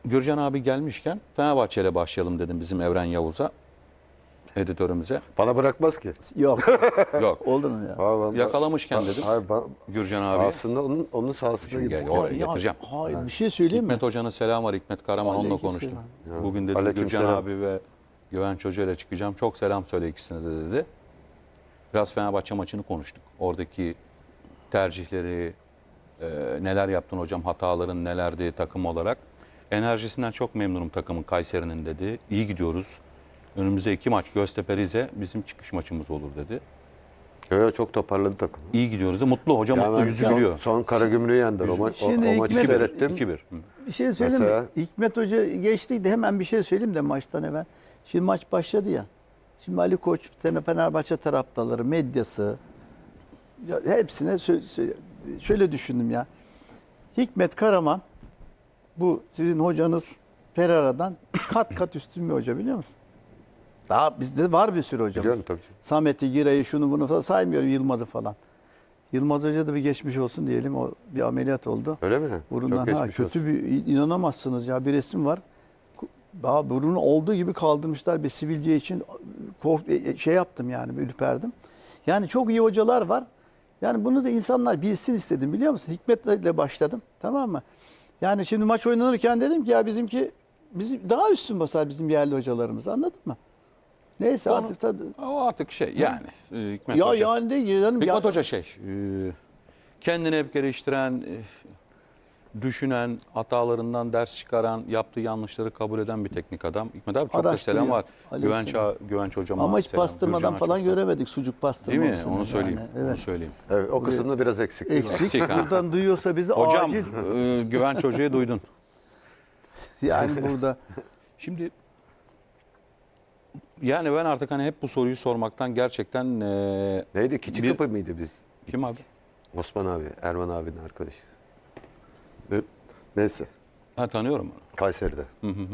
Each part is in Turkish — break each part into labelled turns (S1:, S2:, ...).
S1: Gürcan abi gelmişken Fenerbahçe ile başlayalım dedim bizim Evren Yavuz'a, editörümüze.
S2: Bana bırakmaz ki.
S3: Yok.
S1: Yok.
S3: Oldu mu ya?
S1: Yakalamışken dedim
S2: Hayır,
S1: Gürcan abi.
S2: aslında onun sahasına
S1: Şimdi
S2: gidip.
S1: gel, oraya getireceğim.
S3: Hayır, bir şey söyleyeyim mi?
S1: Hikmet Hoca'nın selam var. Hikmet Karaman onunla
S3: Aleykümselam.
S1: konuştum. Bugün dedi
S2: Aleykümselam.
S1: Gürcan abi ve Güvenç Hoca ile çıkacağım. Çok selam söyle ikisine de dedi. Biraz Fenerbahçe maçını konuştuk. Oradaki tercihleri, neler yaptın hocam, hataların nelerdi takım olarak. Enerjisinden çok memnunum takımın, Kayseri'nin dedi. İyi gidiyoruz. Önümüzde 2 maç Göztepe Rize bizim çıkış maçımız olur dedi.
S2: Evet, çok toparladı takım.
S1: İyi gidiyoruz da mutlu. Hocam
S2: Ya
S1: mutlu,
S2: ben
S1: yüzü gülüyor.
S2: Son Karagümrük'ü yendiler. O maçı
S3: Hikmet-
S2: seyrettim.
S1: 2-1.
S3: Bir şey söyleyeyim
S2: Mesela-
S3: mi? Hikmet Hoca geçti de hemen bir şey söyleyeyim de maçtan evvel. Şimdi maç başladı ya. Şimdi Ali Koç, Fenerbahçe taraftarları, medyası ya hepsine şöyle düşündüm ya. Hikmet Karaman bu sizin hocanız Pereira'dan kat kat üstün bir hoca, biliyor musun? Daha bizde var bir sürü hocamız.
S2: Biliyorum tabii.
S3: Samet'i, Giray'ı, şunu bunu falan saymıyorum, Yılmaz'ı falan. Yılmaz Hoca da bir geçmiş olsun diyelim. O bir ameliyat oldu.
S2: Öyle mi?
S3: Burundan
S2: Çok geçmiş
S3: kötü
S2: olsun.
S3: bir, inanamazsınız ya, bir resim var. Daha burunu olduğu gibi kaldırmışlar bir sivilce için, şey yaptım yani, ürperdim. Yani çok iyi hocalar var. Yani bunu da insanlar bilsin istedim, biliyor musun? Hikmet'le başladım, tamam mı? Yani şimdi maç oynanırken dedim ki ya bizim daha üstün basar bizim yerli hocalarımız, anladın mı? Neyse artık
S1: O artık şey yani. Hikmet
S3: ya
S1: Hoca.
S3: yani de canım
S1: Hikmet
S3: ya,
S1: Hoca kendini hep geliştiren, düşünen, hatalarından ders çıkaran, yaptığı yanlışları kabul eden bir teknik adam. Hikmet abi çok da
S3: Araştırıyor.
S1: selam var.
S3: Aleykümselam.
S1: Güvenç hocama
S3: ama hiç
S1: selam.
S3: pastırmadan
S1: Gürcan'a
S3: falan
S1: çok selam.
S3: göremedik, sucuk
S1: Değil
S3: pastırmasını.
S1: mi? Onu söyleyeyim.
S3: Yani, evet.
S1: Onu söyleyeyim.
S2: Evet, o kısımda biraz eksikliği var.
S3: Eksik.
S1: ha.
S3: Buradan duyuyorsa bizi
S1: Hocam
S3: acil.
S1: Güvenç Hoca'yı duydun.
S3: Yani burada
S1: Şimdi yani ben artık hani hep bu soruyu sormaktan gerçekten
S2: Neydi? Küçük
S1: Bir-
S2: kapı mıydı biz?
S1: kim abi?
S2: Osman abi, Erman abinin arkadaşı. Neyse.
S1: Ha, tanıyorum onu.
S2: Kayseri'de.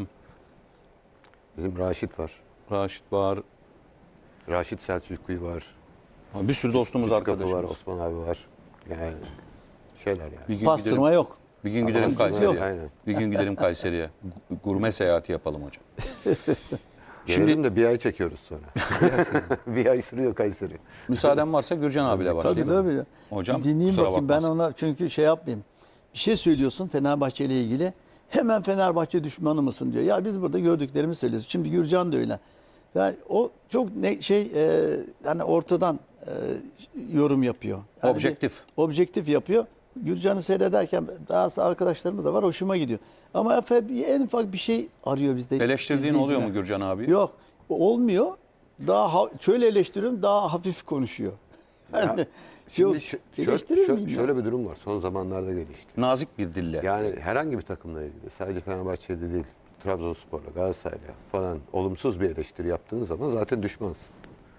S2: Bizim Raşit var.
S1: Raşit var.
S2: Raşit Selçuklu var.
S1: Bir sürü dostumuz,
S2: Küçük kapı
S1: arkadaşımız.
S2: var. Osman abi var. Yani şeyler yani.
S1: Bir gün
S3: pastırma
S1: gidelim,
S3: yok.
S1: bir gün gidelim
S2: Pastırma
S1: Kayseri'ye.
S2: yok. Aynen.
S1: Bir gün gidelim Kayseri'ye. Gurme seyahati yapalım hocam.
S2: Gelelim de bir ay çekiyoruz sonra. Bir ay sürüyor Kayseri.
S1: Müsaaden varsa Gürcan abiyle
S3: Tabii
S1: başlayalım.
S3: tabii.
S1: Hocam
S3: Bir dinleyeyim
S1: kusura
S3: bakayım ben
S1: bakmasın.
S3: ona, çünkü şey yapmayayım. Bir şey söylüyorsun Fenerbahçe ile ilgili. Hemen Fenerbahçe düşmanı mısın diyor. Ya biz burada gördüklerimi söylüyoruz. Şimdi Gürcan da öyle. Yani o çok hani ortadan yorum yapıyor. Yani
S1: Objektif.
S3: Objektif yapıyor. Gürcan'ı seyrederken daha arkadaşlarımız da var, hoşuma gidiyor. Ama en ufak bir şey arıyor bizde.
S1: Eleştirdiğin oluyor mu
S3: izleyiciler.
S1: Gürcan abi?
S3: Yok, olmuyor. Şöyle eleştiriyorum, daha hafif konuşuyor. Yani,
S2: Şimdi
S3: eleştirir miyim ya?
S2: şöyle bir durum var. Son zamanlarda gelişti.
S1: Nazik bir dille.
S2: Yani herhangi bir takımla ilgili, sadece Fenerbahçe'de değil, Trabzonspor'la, Galatasaray'la falan olumsuz bir eleştiri yaptığınız zaman zaten düşmansın.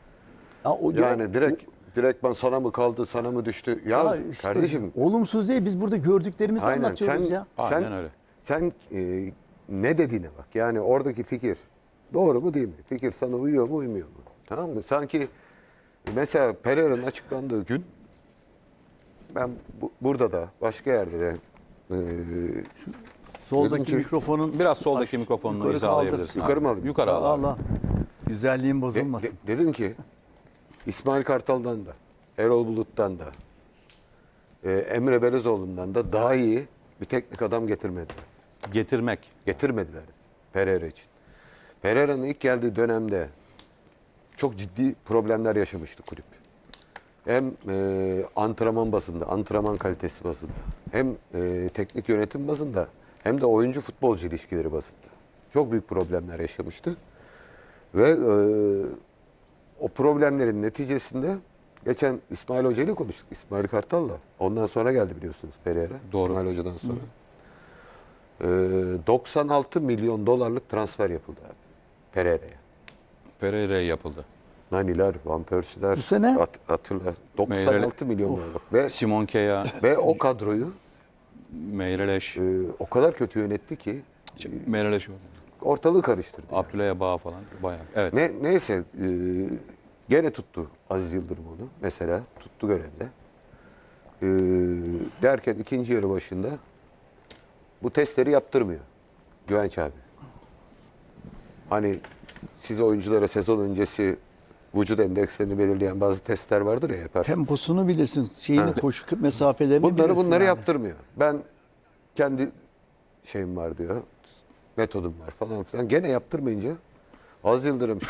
S2: Yani direkt ben sana mı kaldı, sana mı düştü? Ya
S3: işte
S2: kardeşim,
S3: olumsuz değil, biz burada gördüklerimizi
S2: aynen
S3: anlatıyoruz ya.
S1: Aynen öyle.
S2: Sen ne dediğine bak. Yani oradaki fikir doğru mu değil mi? Fikir sana uyuyor mu, uymuyor mu? Tamam mı? Sanki mesela Pereira'nın açıklandığı gün ben burada da başka yerde de
S3: Soldaki
S2: dedim ki-
S3: mikrofonun
S1: Biraz soldaki mikrofonunu
S3: yukarı
S1: izahlayabilirsin.
S2: kaldır. Yukarı
S1: abi.
S2: mı alayım?
S1: Yukarı al abi.
S3: Allah güzelliğin bozulmasın.
S2: dedim ki İsmail Kartal'dan da, Erol Bulut'tan da, Emre Belezoğlu'ndan da daha iyi bir teknik adam getirmediler. Getirmediler Pereira için. Pereira'nın ilk geldiği dönemde çok ciddi problemler yaşamıştı kulüp. Hem antrenman bazında, antrenman kalitesi bazında, hem teknik yönetim bazında, hem de oyuncu futbolcu ilişkileri bazında. Çok büyük problemler yaşamıştı. Ve o problemlerin neticesinde geçen İsmail Hoca ile konuştuk. İsmail Kartal'la. Ondan sonra geldi biliyorsunuz Pereira.
S1: Doğru.
S2: İsmail Hoca'dan sonra. 96 milyon dolarlık transfer yapıldı abi Pereira'ya.
S1: Pereira'ya yapıldı.
S2: Naniler, Van Persie'ler,
S3: Bu sene?
S2: hatırla. 96 milyon dolarlık.
S1: Simon Kea,
S2: Ve o kadroyu
S1: Meyreleş,
S2: o kadar kötü yönetti ki
S1: Meyreleş,
S2: ortalığı karıştırdı. Yani.
S1: Abdülay Bağ falan bayağı. Evet.
S2: Neyse gene tuttu Aziz Yıldırım onu. Mesela tuttu görevde. Derken ikinci yarı başında bu testleri yaptırmıyor. Güvenç abi. Hani siz oyunculara sezon öncesi vücut endekslerini belirleyen bazı testler vardır ya yaparsınız.
S3: Temposunu bilirsin. Şeyini, koşu mesafelerini
S2: Bunları
S3: bilirsin. yani.
S2: yaptırmıyor. Ben kendi şeyim var diyor. Metodum var falan filan. Gene yaptırmayınca Aziz Yıldırım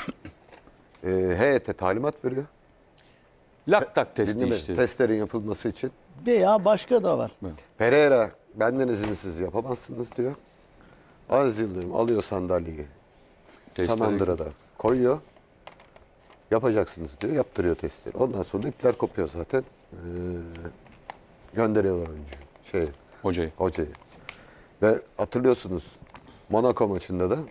S2: heyete talimat veriyor.
S1: Laktak testi
S2: Dinleme,
S1: işte.
S2: testlerin yapılması için.
S3: Veya başka da var.
S2: Pereira benden izinsiz yapamazsınız diyor. Aziz Yıldırım alıyor sandalyeyi.
S1: Testleri-
S2: Samandıra'da koyuyor. Yapacaksınız diyor. Yaptırıyor testleri. Ondan sonra da ipler kopuyor zaten. Gönderiyorlar oyuncuyu. Hocayı. Ve hatırlıyorsunuz Monaco maçında da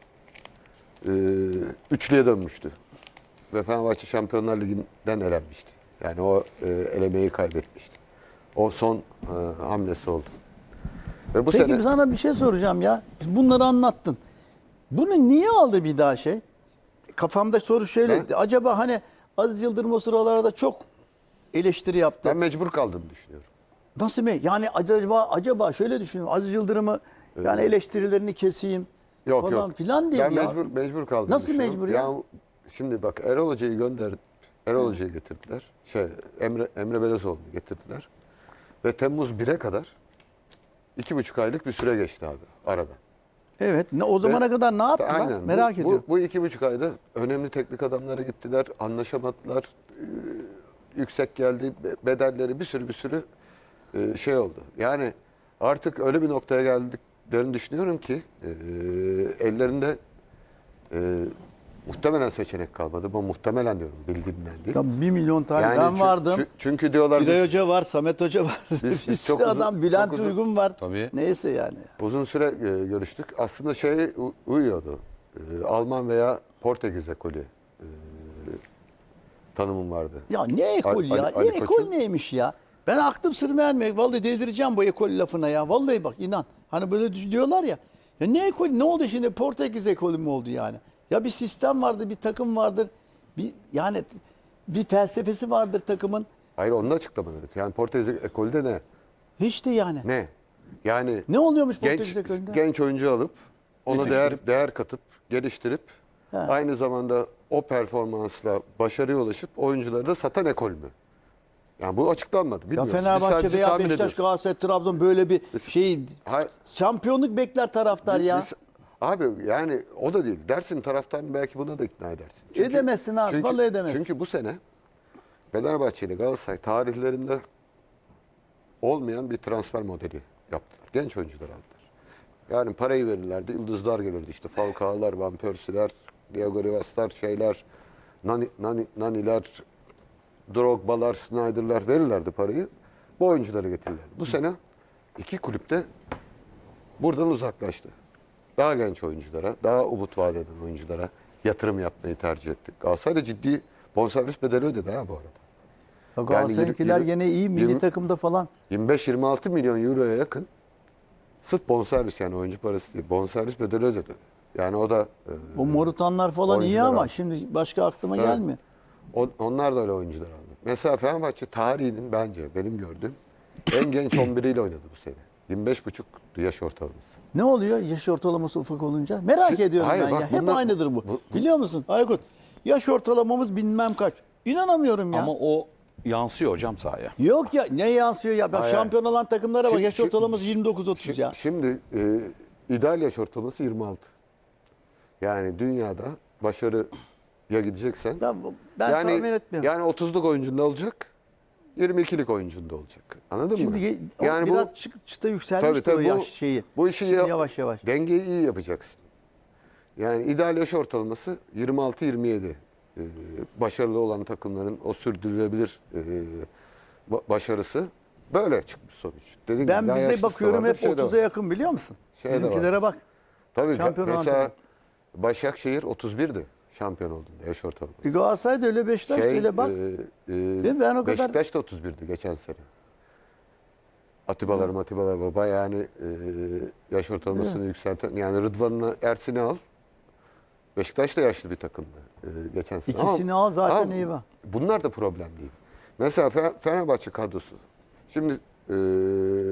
S2: üçlüye dönmüştü. Ve Fenerbahçe Şampiyonlar Ligi'nden elenmişti. Yani o elemeyi kaybetmişti. O son hamlesi oldu. Ve bu
S3: Peki
S2: sene
S3: sana bir şey soracağım ya. Bunları anlattın. Bunu niye aldı bir daha şey? Kafamda soru şöyle. Acaba hani Aziz Yıldırım o sıralarda çok eleştiri yaptı.
S2: ben mecbur kaldığını düşünüyorum.
S3: Nasıl mı? Yani acaba şöyle düşünüyorum. Aziz Yıldırım'ı yani eleştirilerini keseyim
S2: Yok
S3: falan
S2: yok.
S3: filan diye
S2: Ben
S3: ya.
S2: mecbur kaldım.
S3: Nasıl mecbur ya?
S2: Şimdi bak Erol Hoca'yı Erol Hoca'yı getirdiler. Emre Belezoğlu'nu getirdiler. Ve Temmuz 1'e kadar 2,5 aylık bir süre geçti abi arada.
S3: Evet. O zamana kadar ne yaptılar?
S2: Aynen.
S3: Merak ediyorum.
S2: Bu 2,5 ayda önemli teknik adamlara gittiler. Anlaşamadılar. Yüksek geldi. Bedelleri bir sürü şey oldu. Yani artık öyle bir noktaya geldiklerini düşünüyorum ki ellerinde muhtemelen seçenek kalmadı. Bu muhtemelen diyorum bildiğimden değil.
S3: Ya 1 milyon tane
S2: Yani
S3: ben vardım.
S2: Çünkü diyorlar
S3: Güray Hoca var, Samet Hoca var.
S2: Biz
S3: bir
S2: çok
S3: sürü
S2: uzun-
S3: adam, Bülent
S2: çok uzun-
S3: Uygun var.
S1: Tabii.
S3: Neyse yani.
S2: uzun süre görüştük. Aslında uyuyordu. Alman veya Portekiz ekolü tanımım vardı.
S3: Ya ne ekol ya?
S2: Ali
S3: ekol
S2: Koç'un-
S3: neymiş ya? Ben aklım sır ermiyor. Vallahi delireceğim bu ekol lafına ya. Vallahi bak inan. Hani böyle diyorlar ya. Ya ne ekol? Ne oldu şimdi? Portekiz ekolü mü oldu yani? Ya bir sistem vardır, bir takım vardır. Yani bir felsefesi vardır takımın.
S2: Hayır onu da açıklamadık. Yani Portekiz ekolü de ne?
S3: Hiç de yani.
S2: Ne? Yani
S3: Ne oluyormuş Portekiz ekolünde?
S2: genç oyuncu alıp ona değer katıp geliştirip
S3: Ha.
S2: aynı zamanda o performansla başarıya ulaşıp oyuncuları da satan ekol mü? Yani bu açıklanmadı.
S3: Ya
S2: Bilmiyoruz. Biz
S3: Fenerbahçe
S2: sadece
S3: veya
S2: tahmin
S3: Beşiktaş,
S2: ediyoruz.
S3: Galatasaray, Trabzon böyle bir şey
S2: Hayır.
S3: şampiyonluk bekler taraftar ya.
S2: Abi yani o da değil. Dersin taraftarını belki buna da ikna edersin.
S3: Edemezsin abi, vallahi edemezsin.
S2: Çünkü bu sene Fenerbahçe ile Galatasaray tarihlerinde olmayan bir transfer modeli yaptılar. Genç oyuncular aldılar. Yani parayı verirlerdi, yıldızlar gelirdi. İşte Falcao'lar, Van Persie'ler, Diego Rivas'lar, Nani'ler, Drogba'lar, Snyder'lar verirlerdi parayı. Bu oyuncuları getirirlerdi. Bu sene iki kulüpte buradan uzaklaştı. Daha genç oyunculara, daha umut vaat eden oyunculara yatırım yapmayı tercih etti. Galatasaray da ciddi bonservis bedeli ödedi ha bu arada.
S3: Ya Galatasaray'ınkiler
S2: yirmi-
S3: gene iyi milli
S2: yirmi-
S3: takımda falan.
S2: 25-26 milyon euroya yakın sırf bonservis yani oyuncu parası değil. Bonservis bedeli ödedi. Yani o da
S3: O Morutanlar falan iyi
S2: oyuncular
S3: ama
S2: aldı.
S3: şimdi başka aklıma
S2: Evet.
S3: gelmiyor.
S2: Onlar da öyle oyuncular aldı. Mesela Fenerbahçe tarihinin bence benim gördüğüm en genç 11'iyle oynadı bu sene. 25,5 yaş ortalaması.
S3: Ne oluyor yaş ortalaması ufak olunca? Merak ediyorum
S2: hayır,
S3: ben
S2: bak
S3: ya. Hep
S2: bunlar-
S3: aynıdır bu.
S2: bu-
S3: Biliyor musun Aykut? Yaş ortalamamız bilmem kaç. İnanamıyorum ya.
S1: Ama o yansıyor hocam sahaya.
S3: Yok ya ne yansıyor ya? Bak
S2: Hayır.
S3: şampiyon olan takımlara bak
S2: Şimdi-
S3: yaş ortalaması 29-30 ya.
S2: Şimdi ideal yaş ortalaması 26. Yani dünyada başarıya gideceksen
S3: Ben
S2: yani,
S3: tahmin etmiyorum.
S2: Yani 30'luk oyuncunda olacak. 22'lik oyuncunda olacak. Anladın
S3: Şimdi
S2: mı?
S3: yani biraz çıta yükselmiştir o yaş şeyi.
S2: Bu işi
S3: Şimdi yavaş yavaş.
S2: dengeyi iyi yapacaksın. Yani ideal yaş ortalaması 26-27. Başarılı olan takımların o sürdürülebilir başarısı böyle çıkmış sonuç. Dediğim
S3: Ben
S2: gibi, daha
S3: bize
S2: yaşlısı da
S3: bakıyorum
S2: vardır,
S3: hep
S2: şey de
S3: 30'a
S2: var.
S3: yakın biliyor musun?
S2: Şey de var.
S3: Bizimkilere bak.
S2: Tabii
S3: Şampiyon olan
S2: mesela
S3: takım.
S2: Başakşehir 31'di şampiyon olduğunda yaş ortalaması.
S3: Galatasaray da öyle, Beşiktaş da öyle bak. mi? Ben o kadar-
S2: Beşiktaş da 31'di geçen sene. Atibalar baba yani yaş ortalamasını yükselten yani Rıdvan'la Ersin'i al. Beşiktaş da yaşlı bir takımdı geçen sene.
S3: İkisini al zaten iyi var.
S2: Bunlar da problem değil. Mesela Fenerbahçe kadrosu. Şimdi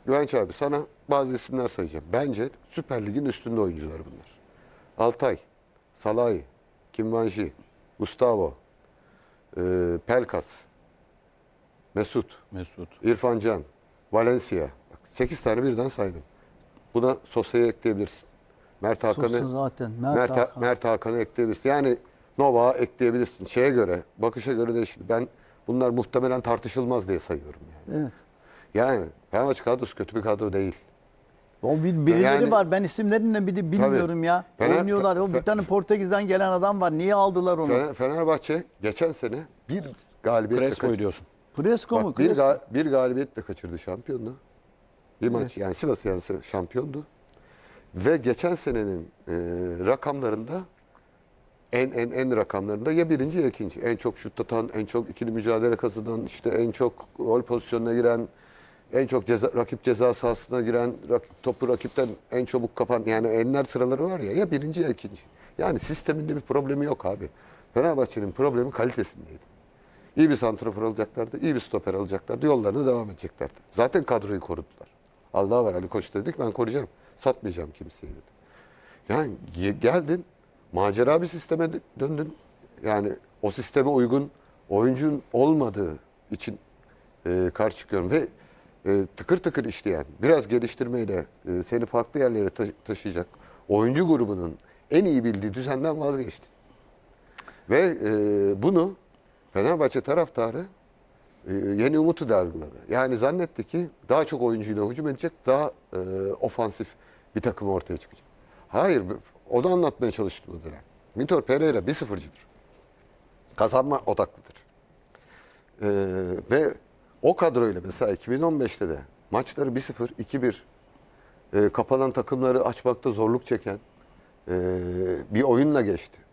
S2: Güvenç abi sana bazı isimler sayacağım. Bence Süper Lig'in üstünde oyuncular bunlar. Altay, Salahi, Kimvanji, Gustavo, Pelkas, Mesut, İrfan Can, Valencia. 8 tane birden saydım. Buna Sosa'yı ekleyebilirsin. Mert
S3: Sosa
S2: Hakan'ı
S3: zaten.
S2: Mert Hakan'ı ekleyebilirsin. Yani Novak'a ekleyebilirsin. Şeye göre, bakışa göre değişir. Ben bunlar muhtemelen tartışılmaz diye sayıyorum yani.
S3: Evet.
S2: Yani Fenerbahçe kadrosu kötü bir kadro değil.
S3: O birileri
S2: Yani-
S3: var. Ben isimlerini bir de bilmiyorum ya.
S2: Fener-
S3: Oynuyorlar. O bir tane Portekiz'den gelen adam var. Niye aldılar onu?
S2: Fenerbahçe geçen sene bir galibiyetle
S1: Crespo'yu diyorsun.
S3: Fresco mu?
S2: Bak,
S3: Crespo?
S2: bir galibiyetle kaçırdı şampiyonluğu. Bir maç yani Sivas yense şampiyondu. Ve geçen senenin rakamlarında en rakamlarında ya birinci ya ikinci. En çok şut atan, en çok ikili mücadele kazanan, işte en çok gol pozisyonuna giren, en çok rakip ceza sahasına giren, topu rakipten en çabuk kapan. Yani enler sıraları var ya birinci ya ikinci. Yani sisteminde bir problemi yok abi. Fenerbahçe'nin problemi kalitesindeydi. İyi bir santrafor alacaklardı, iyi bir stoper alacaklardı, yollarına devam edeceklerdi. Zaten kadroyu korudular. Allah var Ali Koç dedik ben koruyacağım. Satmayacağım kimseyi dedi. Yani geldin macera bir sisteme döndün. Yani o sisteme uygun oyuncun olmadığı için karşı çıkıyorum. Ve tıkır tıkır işleyen, biraz geliştirmeyle seni farklı yerlere taşıyacak oyuncu grubunun en iyi bildiği düzenden vazgeçti. Ve bunu Fenerbahçe taraftarı yeni umutu da algıladı. Yani zannetti ki daha çok oyuncuyla hücum edecek, daha ofansif bir takım ortaya çıkacak. Hayır, o da anlatmaya çalıştı bu dönem. Vitor Pereira 1-0'cıdır. Kazanma odaklıdır. Ve o kadroyla mesela 2015'te de maçları 1-0, 2-1 kapanan takımları açmakta zorluk çeken bir oyunla geçti.